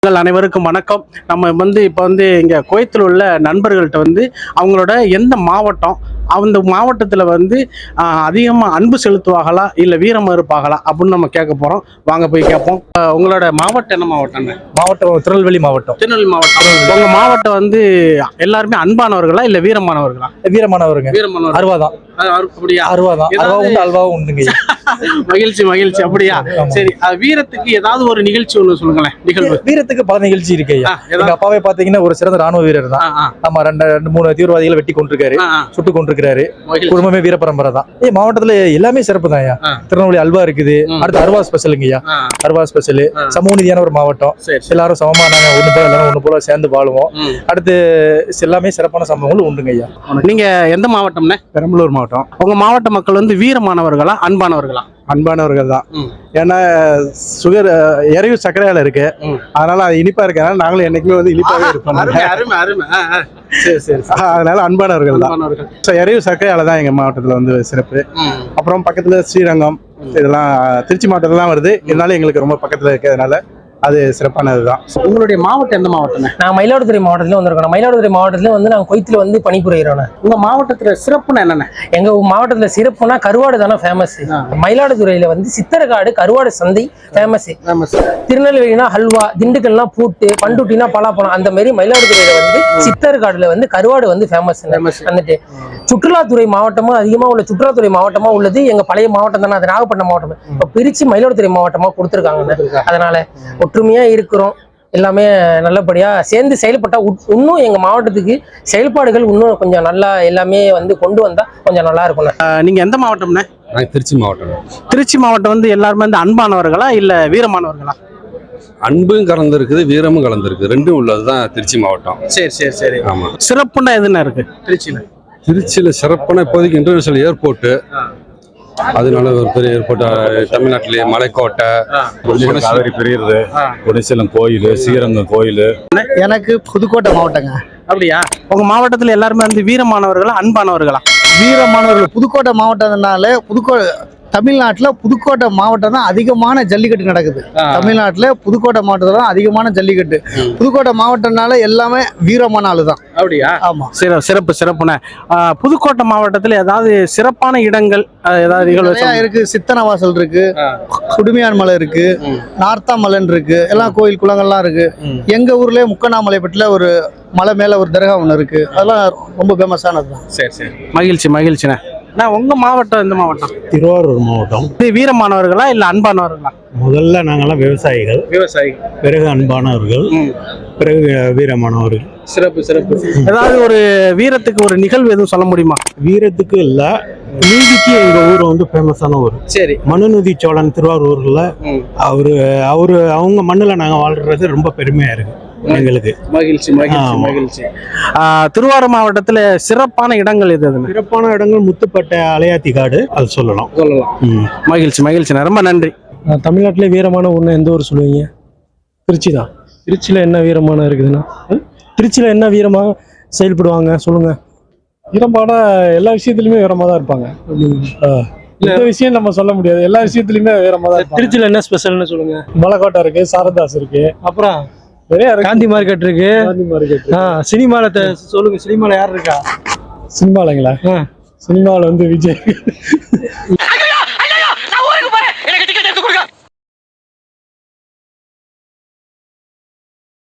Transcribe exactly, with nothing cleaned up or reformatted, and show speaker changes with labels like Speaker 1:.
Speaker 1: அனைவருக்கும் வணக்கம். நம்ம வந்து இப்போ வந்து இங்கே கோயத்தில் உள்ள நண்பர்கள்ட்ட வந்து அவங்களோட எந்த மாவட்டம், அந்த மாவட்டத்தில் வந்து அதிகமாக அன்பு செலுத்துவாங்களா இல்லை வீரம் இருப்பாங்களா அப்படின்னு நம்ம கேட்க போகிறோம். வாங்க போய் கேட்போம். உங்களோட மாவட்டம் என்ன மாவட்டம்?
Speaker 2: மாவட்டம் திருநெல்வேலி மாவட்டம்.
Speaker 1: திருநெல்வேலி மாவட்டம். உங்கள் மாவட்டம் வந்து எல்லாருமே அன்பானவர்களா இல்லை வீரமானவர்களா?
Speaker 2: வீரமானவருங்க.
Speaker 1: வீரமானவர்.
Speaker 2: அறுவாதான்.
Speaker 1: அப்படியா?
Speaker 2: அறுவாதான். அல்வாவும் உண்டுங்க.
Speaker 1: மகிழ்ச்சி மகிழ்ச்சி. அப்படியா? சரி, வீரத்துக்கு ஏதாவது ஒரு நிகழ்ச்சி ஒன்று சொல்லுங்களேன். நிகழ்வு
Speaker 2: வீரத்துக்கு பல நிகழ்ச்சி இருக்கு. எங்க அப்பாவே பாத்தீங்கன்னா ஒரு சிறந்த ராணுவ வீரர் தான். ஆமா, ரெண்டு ரெண்டு மூணு தீவிரவாதிகளை வெட்டி கொண்டிருக்காரு, சுட்டு கொண்டிருக்காரு. குடும்பமே வீர பரம்பரை தான். ஏ மாவட்டத்துல எல்லாமே சிறப்பு தான். திருநெல்வேலி அல்வா இருக்குது. அடுத்து அருவா ஸ்பெஷலுங்கய்யா. அருவா ஸ்பெஷல். சமூக நீதியான ஒரு மாவட்டம். எல்லாரும் சமமா நாங்க ஒண்ணு போல எல்லாரும் ஒண்ணு போல சேர்ந்து வாழுவோம். அடுத்து எல்லாமே சிறப்பான சம்பவங்கள் உண்டுங்க ஐயா.
Speaker 1: நீங்க எந்த மாவட்டம்னே?
Speaker 2: பெரம்பலூர் மாவட்டம்.
Speaker 1: உங்க மாவட்ட மக்கள் வந்து வீரமானவர்களா அன்பானவர்களா?
Speaker 2: அன்பானவர்கள் தான். ஏன்னா சுகர் எரிவு சர்க்கரையால இருக்கு, அதனால அது இனிப்பா இருக்கனால நாங்களும் என்னைக்குமே வந்து இனிப்பாவே இருப்போம். அதனால அன்பானவர்கள் தான். எரிவு சர்க்கரையால தான் எங்க மாவட்டத்துல வந்து சிறப்பு. அப்புறம் பக்கத்துல ஸ்ரீரங்கம், இதெல்லாம் திருச்சி மாவட்டத்துல தான் வருது. இதனால எங்களுக்கு ரொம்ப பக்கத்துல இருக்கிறதுனால அது சிறப்பானதுதான்.
Speaker 1: உங்களுடைய மாவட்டம் எந்த மாவட்டம்?
Speaker 3: நான் மயிலாடுதுறை மாவட்டத்துல வந்திருக்கோம். மயிலாடுதுறை மாவட்டத்துல வந்து நாங்கள் கொய்த்துல வந்து பணிபுரிகிறோம்.
Speaker 1: உங்க மாவட்டத்துல சிறப்புனா என்னென்ன?
Speaker 3: எங்க மாவட்டத்துல சிறப்புனா கருவாடு தானே ஃபேமஸ். மயிலாடுதுறையில வந்து சித்தரகாடு கருவாடு சந்தை ஃபேமஸ். திருநெல்வேலினா ஹல்வா, திண்டுக்கல்னா பூட்டு, பண்டுட்டினா பலாப்பழம். அந்த மாதிரி மயிலாடுதுறையில வந்து சித்தரகாடுல வந்து கருவாடு வந்து ஃபேமஸ். வந்துட்டு சுற்றுலாத்துறை மாவட்டமா அதிகமா உள்ள சுற்றுலாத்துறை மாவட்டமா உள்ளது எங்க பழைய மாவட்டம் தானே. அது நாகப்பட்டினம் மாவட்டம். இப்ப பிரிச்சு மயிலாடுதுறை மாவட்டமா கொடுத்துருக்காங்க. அதனால ஒற்றுமையா இருக்கிறோம். எல்லாமே நல்லபடியா சேர்ந்து செயல்பட்டா இன்னும் எங்க மாவட்டத்துக்கு செயல்பாடுகள் இன்னும் கொஞ்சம் நல்லா எல்லாமே வந்து கொண்டு வந்தா கொஞ்சம் நல்லா இருக்கும்.
Speaker 1: நீங்க எந்த மாவட்டம்னா?
Speaker 4: திருச்சி மாவட்டம்.
Speaker 1: திருச்சி மாவட்டம் வந்து எல்லாருமே வந்து அன்பானவர்களா இல்ல வீரமானவர்களா?
Speaker 4: அன்பும் கலந்துருக்குது, வீரமும் கலந்துருக்கு, ரெண்டும் உள்ளதுதான் திருச்சி மாவட்டம்.
Speaker 1: சரி சரி சரி.
Speaker 4: ஆமா.
Speaker 1: சிறப்புன்னா எதுனா இருக்கு திருச்சியில?
Speaker 4: திருச்சியில சிறப்பான இப்போதைக்கு இன்டர்நேஷனல் ஏர்போர்ட், அதனால ஒரு பெரிய ஏர்போர்ட். தமிழ்நாட்டிலேயே மலைக்கோட்டை,
Speaker 5: காவிரி பெரியது, குடிசலம் கோயில், ஸ்ரீரங்கம் கோயில்.
Speaker 6: எனக்கு புதுக்கோட்டை மாவட்டங்க.
Speaker 1: அப்படியா? உங்க மாவட்டத்துல எல்லாருமே வந்து வீரமானவர்களா அன்பானவர்களா?
Speaker 6: வீரமானவர்கள். புதுக்கோட்டை மாவட்டம்னால புதுக்கோ தமிழ்நாட்டுல புதுக்கோட்டை மாவட்டம் தான் அதிகமான ஜல்லிக்கட்டு நடக்குது. தமிழ்நாட்டுல புதுக்கோட்டை மாவட்டத்துல தான் அதிகமான ஜல்லிக்கட்டு. புதுக்கோட்டை மாவட்டம்னால எல்லாமே வீரமான ஆளு தான்.
Speaker 1: அப்படியா?
Speaker 6: ஆமா.
Speaker 1: சிறப்பு சிறப்புன. புதுக்கோட்டை மாவட்டத்துல ஏதாவது சிறப்பான இடங்கள் ஏதாவது நிகழ்வு
Speaker 6: இருக்கு? சித்தனவாசல் இருக்கு, குடுமியான் மலை இருக்கு, நார்த்தாமலைன் இருக்கு, எல்லாம் கோயில் குளங்கள்லாம் இருக்கு. எங்க ஊர்லயே முக்கண்ணாமலைப்பட்டில ஒரு மலை மேல ஒரு தர்கா ஒண்ணு இருக்கு. அதெல்லாம் ரொம்ப ஃபேமஸானதுதான்.
Speaker 1: சரி சரி. மகிழ்ச்சி மகிழ்ச்சிண்ணே. நான் உங்க மாவட்டம் எந்த மாவட்டம்?
Speaker 5: திருவாரூர் மாவட்டம்.
Speaker 1: வீரமானவர்களா இல்ல அன்பானவர்களா?
Speaker 5: முதல்ல நாங்கெல்லாம் விவசாயிகள்.
Speaker 1: விவசாயிகள்.
Speaker 5: பிறகு அன்பானவர்கள், பிறகு வீரமானவர்கள்.
Speaker 1: சிறப்பு சிறப்பு. ஏதாவது ஒரு வீரத்துக்கு ஒரு நிகழ்வு எதுவும் சொல்ல முடியுமா?
Speaker 5: வீரத்துக்கு இல்ல, நீதிக்கு எங்க ஊர் வந்து ஃபேமஸான ஊர்.
Speaker 1: சரி.
Speaker 5: மனுநீதி சோழன் திருவாரூர்ல அவரு அவரு அவங்க மண்ணுல நாங்க வாழ்றது ரொம்ப பெருமையா இருக்கு எங்களுக்கு.
Speaker 1: மகிழ்ச்சி மகிழ்ச்சி மகிழ்ச்சி. திருவாரூர் மாவட்டத்துல சிறப்பான இடங்கள் எது?
Speaker 5: சிறப்பான இடங்கள் முத்துப்பட்டை, அலையாத்தி காடு, அது சொல்லலாம்
Speaker 1: சொல்லலாம். மகிழ்ச்சி மகிழ்ச்சி. ரொம்ப நன்றி.
Speaker 7: தமிழ்நாட்டிலே வீரமான ஊர்னா எந்த ஊர் சொல்லுவீங்க? திருச்சி தான். திருச்சியில என்ன வீரமான இருக்குதுன்னா, திருச்சியில என்ன வீரமா செயல்படுவாங்க சொல்லுங்க. வீரமான எல்லா விஷயத்துலயுமே வீரமா தான் இருப்பாங்க. இந்த விஷயம் நம்ம சொல்ல முடியாது, எல்லா விஷயத்துலயுமே வீரமா தான். திருச்சியில என்ன ஸ்பெஷல்னு சொல்லுங்க. மலைக்கோட்டை இருக்கு, சாரதாஸ் இருக்கு, அப்புறம் காந்தி மார்க்கெட் இருக்கு. காந்தி மார்க்கெட். சினிமால சொல்லுங்க. சினிமால யார் இருக்கா? சினிமாலங்களா? சினிமாவில் வந்து விஜய்.